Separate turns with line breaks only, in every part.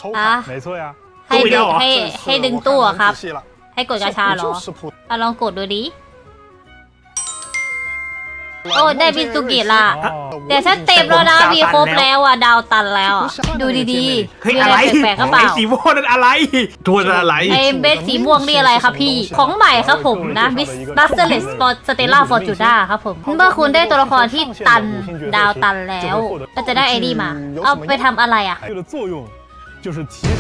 อ่ะ
没错呀。
ให้ดึงให้ดึงตู้อะครับ
仔细了，
ให้กดกาชาเหรอ
就是普
เอาลองกดดูดิ โอ้ได้มินซูกิละ
哦
แต่ฉันเต็มแล้วนะมีครบแล้วอ่ะดาวตันแล้วอะดูดีๆ
เฮ้ย
มี
อะ
อะไร ไรแปลกๆก็เปล่า
ไอ้สีม่วงนั่นอะไร
ตัวอะไร
ไอ้เบสสีม่วงนี่อะไรครับพี่ ของใหม่ครับผมนะบัสเตอร์เลสสเตล่าฟอร์จูด้าครับผม เมื่อคุณได้ตัวละครที่ตันดาวตันแล้วก็จะได้ไอดีมา เอาไปทำอะไรอ่ะ
这个作用就是提升。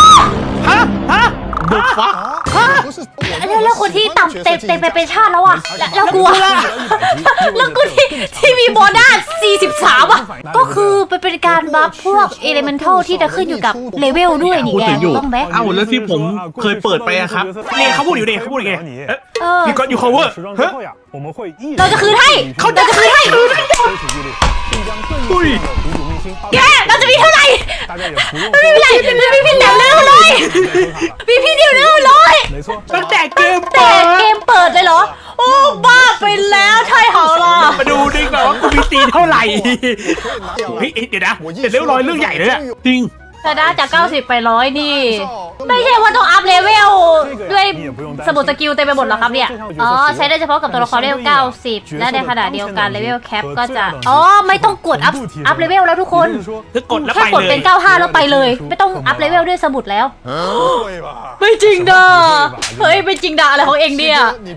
เดือดฟ้า
不是
แล้วคนที่ต่ำเต็มไปเป็นชาติแล้วอ่ะแล้วกูอะ แล้วกูที่มีโบนัส43 อ่ะ ก็คือเป็นการบัฟพวกเอเลเมนทัลที่จะขึ้นอยู่กับเลเวลด้วยนี่แกต้องแบ็ค
เอ้าแล้วที่ผมเคยเปิดไปอะครับ
นี่เขาพูดอยู่นี่เขาพูดอยู่ไง
เออ
You got you cover
时装之后呀，我们会一
เราจะคืนให้เราจะคืนให้
收取毅力，并将更有效的补主明星
แกเราจะมีเท่าไหร่
大家也不用
ไม่เป็นไรมีพี่เดียวเร็วเลยมีพี่เดียวเร็วเลย
没错，
ตั้งแต่เกม
แต่
เปิด
เกมเปิดเลยเหรอ โอ้บ้าไปแล้วใช่เหรอล่ะ
มาดูดิก่อนว่ากูมีตีเท่าไหร่
掉了
เฮ้ยเดี๋ยวนะเดี๋ยวเรียบร้อยเรื่องใหญ่เลยอะ
จริง
แต่ได้จาก90ไป100นี่ ไม่ใช่ว่าต้องอัพเลเวลด้วยสมุดสกิลเต็มไปหมดหรอครับเนี่ย อ๋อ ใช้ได้เฉพาะกับตัวละครเลเวล90 และในขณะเดียวกันเลเวลแคปก็จะ อ๋อ ไม่ต้องกดอัพเลเวลแล้วทุกคน
คือกดแล้ว
แค่
ไป
กด
เล
เป็
ย
น95แล้วไปเลย ไม่ต้องอัพเลเวลด้วยสมุดแล้ว
不会吧？
ไม่จริงด่าเฮ้ยไม่จริงด่าอะไรของเองเนี่ย